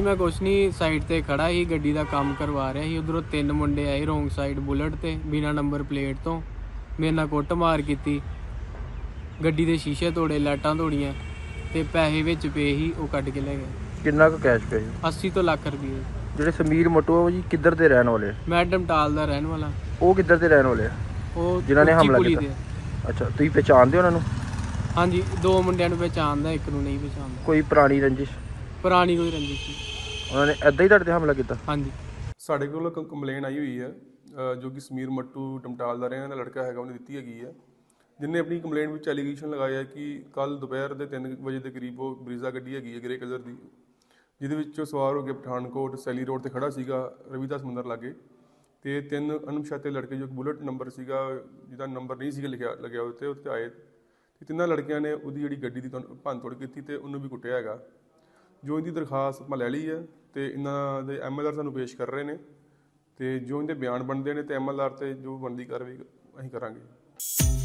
मैं कुछ नहीं साइड ते खड़ा ही गड्डी का काम करवा रहा ही। उधरों 3 मुंडे आए रोंग साइड बुलेट ते बिना नंबर प्लेट तो मेरे नाल कुट मार की। गड्डी के शीशे तोड़े, लाइटां तोड़ियां ते पैसे विच पे ही वो कट के ले गए। कितना का कैश पे? 80 तो ਲੱਖ ਰੁਪਏ। ਜਿਹੜੇ ਸਮੀਰ ਮੋਟੂ ਆ ਉਹ ਜੀ ਕਿੱਧਰ ਦੇ ਰਹਿਣ ਵਾਲੇ? मैं डमटाल ਦਾ ਰਹਿਣ ਵਾਲਾ। ਉਹ ਕਿੱਧਰ ਦੇ ਰਹਿਣ ਵਾਲੇ ਆ ਉਹ ਜਿਨ੍ਹਾਂ ਨੇ ਹਮਲਾ ਪੁਲੀ ਕੀਤਾ? ਦੇ। ਅੱਛਾ, ਤੁਸੀਂ ਪਹਿਚਾਣਦੇ ਹੋ ਉਹਨਾਂ ਨੂੰ? ਹਾਂਜੀ, 2 ਮੁੰਡਿਆਂ ਨੂੰ ਪਹਿਚਾਣਦਾ, ਇੱਕ ਨੂੰ ਨਹੀਂ ਪਹਿਚਾਣਦਾ। ਕੋਈ ਪੁਰਾਣੀ ਰੰਜਿਸ਼? ਪੁਰਾਣੀ ਕੋਈ ਰੰਜਿਸ਼ ਨਹੀਂ। ਉਹਨਾਂ ਨੇ ਐਦਾਂ ਹੀ ਤੁਹਾਡੇ ਤੇ ਹਮਲਾ ਕੀਤਾ? ਹਾਂਜੀ। ਸਾਡੇ ਕੋਲ ਕੰਪਲੇਨ ਆਈ ਹੋਈ ਹੈ ਜੋ ਕਿ ਸਮੀਰ ਮੱਟੂ ਟਮਟਾਲ ਦਾ ਰਹਿਣ ਵਾਲਾ ਲੜਕਾ ਹੈਗਾ, ਉਹਨੇ ਦਿੱਤੀ ਹੈਗੀ ਹੈ, ਜਿਹਨੇ ਆਪਣੀ ਕੰਪਲੇਂਟ ਵਿੱਚ ਐਲੀਗੇਸ਼ਨ ਲਗਾਇਆ ਕਿ ਕੱਲ ਦੁਪਹਿਰ ਦੇ 3 ਵਜੇ ਦੇ ਕਰੀਬ ਉਹ ਬਰੀਜ਼ਾ ਗੱਡੀ ਹੈਗੀ ਹੈ ਗ੍ਰੇ ਕਲਰ ਦੀ, ਜਿਹਦੇ ਵਿੱਚ ਉਹ ਸਵਾਰ ਹੋ ਕੇ ਪਠਾਨਕੋਟ ਸੈਲੀ ਰੋਡ ਤੇ ਖੜਾ ਸੀਗਾ ਰਵੀਦਾਸ ਮੰਦਰ ਲਾਗੇ, ਤੇ 3 ਅਣਪਛਾਤੇ ਲੜਕੇ ਜੋ ਬੁਲਟ ਨੰਬਰ ਸੀਗਾ ਜਿਹਦਾ ਨੰਬਰ ਨਹੀਂ ਸੀਗਾ ਲੱਗਿਆ ਉੱਤੇ ਆਏ ਤੇ 3 ਲੜਕਿਆਂ ਨੇ ਉਹਦੀ ਜਿਹੜੀ ਗੱਡੀ ਦੀ ਭੰਨ ਤੋੜ ਕੀਤੀ ਤੇ ਉਹਨੂੰ ਵੀ ਕੁੱਟਿਆ ਹੈਗਾ। ਜੋ ਇਹਦੀ ਦਰਖਾਸਤ ਆਪਾਂ ਲੈ ਲਈ ਹੈ ਤੇ ਇਹਨਾਂ ਦੇ MLR ਸਾਨੂੰ ਪੇਸ਼ ਕਰ ਰਹੇ ਨੇ ਤੇ ਜੋ ਇਹਦੇ ਬਿਆਨ ਬਣਦੇ ਨੇ ਤੇ MLR ਤੇ ਜੋ ਬਣਦੀ ਕਾਰਵਾਈ ਅਸੀਂ ਕਰਾਂਗੇ।